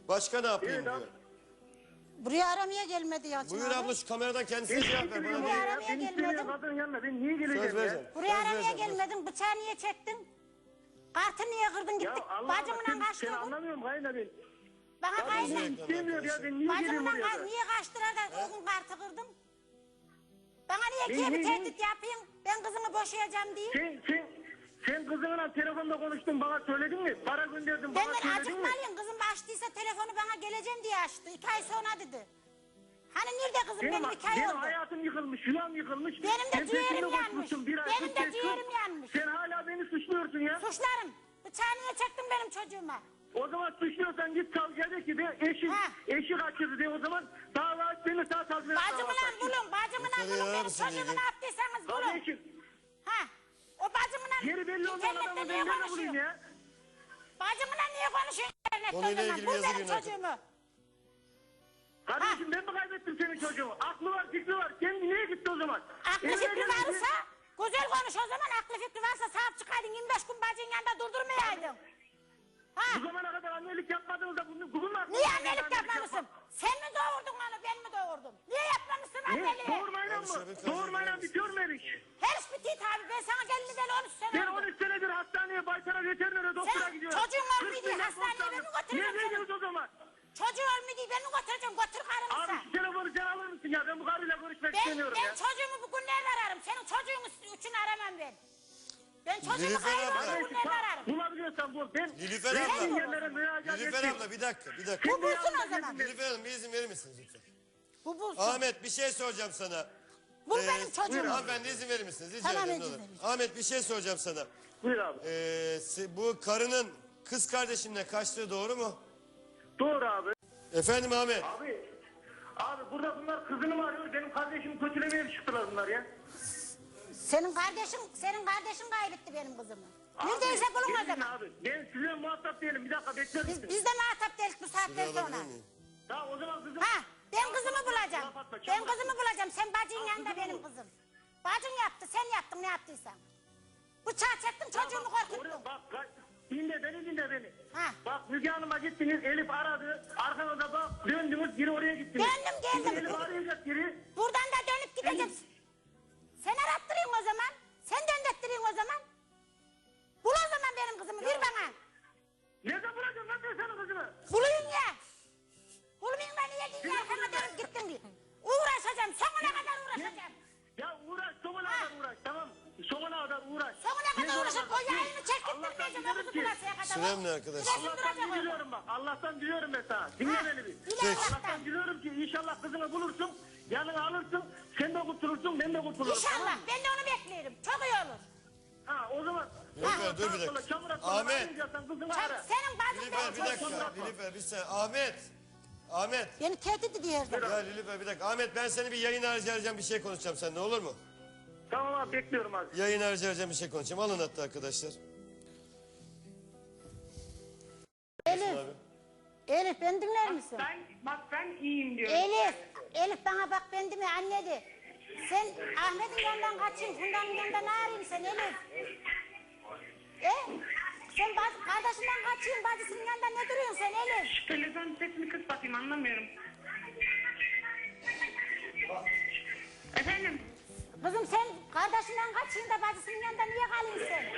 Başka ne yapayım diyor. Buraya aramaya gelmedi ya. Buyur abla şu kameradan kendisine cevap ver. Bana Buraya değil. aramaya gelmedim. Kadın yanına ben niye geleceğim Söz ya? vereceğim. Buraya Söz aramaya vereceğim. gelmedin. Bıçağı niye çektin? Kartı niye kırdın gittik. Bacımla Seni kaçtırdın. anlamıyorum kayna ben. Bana Kadın kaydı. beni istemiyor ya ben niye geleyim Bacımla oraya da? niye kaçtırar da o gün kartı kırdın? Bana niye bir tehdit yapayım? Ben kızımı boşayacağım diye. Sen kızınla telefonda konuştun bana söyledin mi? Para gönderdin bana Benden söyledin mi? acıkmalıyım. Kızım açtıysa telefonu bana geleceğim diye açtı. 2 ay sonra dedi. Hani nerede kızım benim 2 ay Benim oldu. hayatım yıkılmış, yuvam yıkılmış. Benim de Sen ciğerim peşimde yanmış. koşmuşsun bir ay, Benim de 45 gün. ciğerim yanmış. Sen hala beni suçluyorsun ya. Suçlarım. Bıçağı niye çektin benim çocuğuma? O zaman suçluyorsan git savcıya de ki de eşi kaçırdı de o zaman dava aç beni sağ savcıya Bacımla bulun, bacımla Yeter bulun. ya, Benim mısın çocuğumu dedi. ne yaptıysanız bulun. Kardeşim, Ha, o bacımla geri belli olmayan internette adamı niye ben nerede konuşuyor? bulayım ya? Bacımla niye konuşuyor internette o Konuyla zaman? ilgili Bul yazı benim günah. çocuğumu. Kardeşim ben mi kaybettim senin çocuğumu? Aklı var, fikri var. Kendi niye gitti o zaman? Aklı Evine fikri gelmedi. varsa, güzel konuş o zaman. Aklı fikri varsa sahip çıkaydın. 25 gün bacının yanında durdurmayaydın. Ha, Bu zamana kadar annelik yapmadınız da bugün mü? niye annelik yapmamışsın? Sen mi doğurdun onu, ben mi doğurdum? Niye yapmamışsın anneliği? Doğurmayla mı? Doğurmayla bitiyor mu her iş? Her iş bitti tabi. Ben sana geldi deli 13 sene Ben oldu. 13 senedir hastaneye, baytara, veterinere, doktora Sen gidiyorum. çocuğun var 40 mıydı? milyon Hastaneye konuşuyorum. ben mi götüreceğim Niye seni? gidiyoruz o zaman? Çocuğu ölmedi ben mi götüreceğim? Götür karımıza. Abi şu telefonu sen alır mısın ya? Ben bu karıyla görüşmek Ben istemiyorum ya. çocuğumu bugünlerde ararım. Senin çocuğun için aramam ben. Ben çocuğumu Nilüfer abla. kaybolmuş bugünlerde ararım. Bulabiliyorsan bul. Ben Nilüfer resmi abla. yerlere müracaat Nilüfer ettim. abla bir dakika. Bu bulsun o zaman. Nilüfer Hanım bir izin verir misiniz lütfen? Bu bulsun. Ahmet bir şey soracağım sana. Bul benim çocuğumu. Hanımefendi izin verir misiniz? Rica Tamam, ederim, ne izin olur. vereceğim. Ahmet bir şey soracağım sana. Buyur abi. Bu karının kız kardeşinle kaçtığı doğru mu? Doğru abi. Efendim Ahmet. Abi burada bunlar kızını mı arıyor? Benim kardeşimi kötülemeye çıktılar bunlar ya. Senin kardeşin kaybetti benim kızımı. Neredeyse bulun o gelin zaman. abi. Ben sizinle muhatap değilim. Bir dakika bekler misin? Biz de muhatap değiliz bu saatten Şurayı sonra. alabilir miyim? Tamam o zaman kızım. Ha, ben kızımı bulacağım. Laf atma, Ben çabuk. kızımı bulacağım. Sen bacının yanında kızımı benim bul. kızım. Bacın yaptı, sen yaptın ne yaptıysan. Bıçağı çektin çocuğumu korkuttun. Oraya bak. Dinle beni. Ha. Bak Müge Hanım'a gittiniz. Elif aradı. Arkanıza bak. Döndünüz. Geri oraya gittiniz. Döndüm, geldim. Şimdi Elif arayacak geri. Buradan da dönüp gideceğim. Sen arattırayım o zaman. Sen döndürttüreyim o zaman. Bul o zaman benim kızımı, ver bana. Nerede bırakıyorsun lan sen senin kızını? Buluyun ya. Bulmayın da niye diye arkana dönüp gittin diye. Uğraşacağım, sonuna kadar uğraşacağım. Ya uğraş. Sonuna kadar uğraş. Tamam. Sonuna kadar uğraş. Sonuna kadar Ne uğraşıp zaman- o yayını çektirmeyeceğim. O kızı bulasıya kadar. Sürem ne arkadaşlar? Süresim duracak Allah'tan orada. diliyorum bak. Allah'tan diliyorum ben sana. Dinle beni bir. Dile Allah'tan. Allah'tan diliyorum ki inşallah kızını bulursun. Yanına alırsın. Sen de kurtulursun. Ben de kurtulurum. Tamam İnşallah, mı? ben de onu beklerim. Çok iyi olur. Ha o zaman. Nilüfer, dur bir dakika. Ahmet. Kızını Çok, ara. senin bacın Nilüfer benim bir çocuğum. dakika. Nilüfer bir saniye. Ahmet. Beni tehdit ediyor her zaman. Ya Nilüfer bir dakika. Ahmet ben seni bir yayın harici arayacağım bir şey konuşacağım seninle olur mu? Tamam abi bekliyorum abi. Yayın harici arayacağım bir şey konuşacağım. Alın hatta arkadaşlar. Elif, Abi. Elif beni dinler misin? Ben iyiyim diyorum. Elif bana bak ben değil mi anne de. Sen Ahmet'in yanından kaçayım, Funda'nın yanında ne arayayım sen Elif? Sen kardeşinden kaçayım, bacısının yanında ne duruyorsun sen Elif? Telefon sesini kıs bakayım anlamıyorum. Efendim? Kızım sen kardeşinden kaçayım da bacısının yanında niye kalıyorsun sen?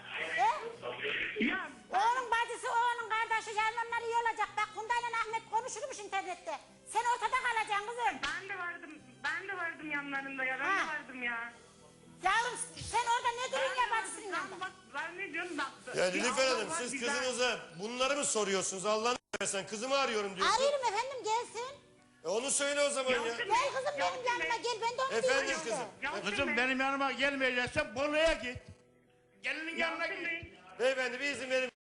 Ya Oğlun bacısı, oğlun kardeşi yarın onlar iyi olacak. Bak Funda ile Ahmet konuşurmuş internette. Sen ortada kalacaksın kızım. ben de vardım yanlarında ya. Ben Ha. de vardım ya. Yavrum sen orada ne duruyorsun ya bacısının yanında? Bak ben ne diyorum bak. Ya Nilüfer Allah Hanım var, siz güzel. kızınıza bunları mı soruyorsunuz? Allah'ını versen kızımı arıyorum diyorsun. Arıyorum efendim gelsin. Onu söyle o zaman ya. Gel kızım benim yanıma gel ben de onu Efendim diyeyim işte. kızım. Yalçın Kızım Bey, benim yanıma gelmeyeceksen Bolu'ya git. Gelinin yanına Yalçın git. Bey, Beyefendi bir izin verin.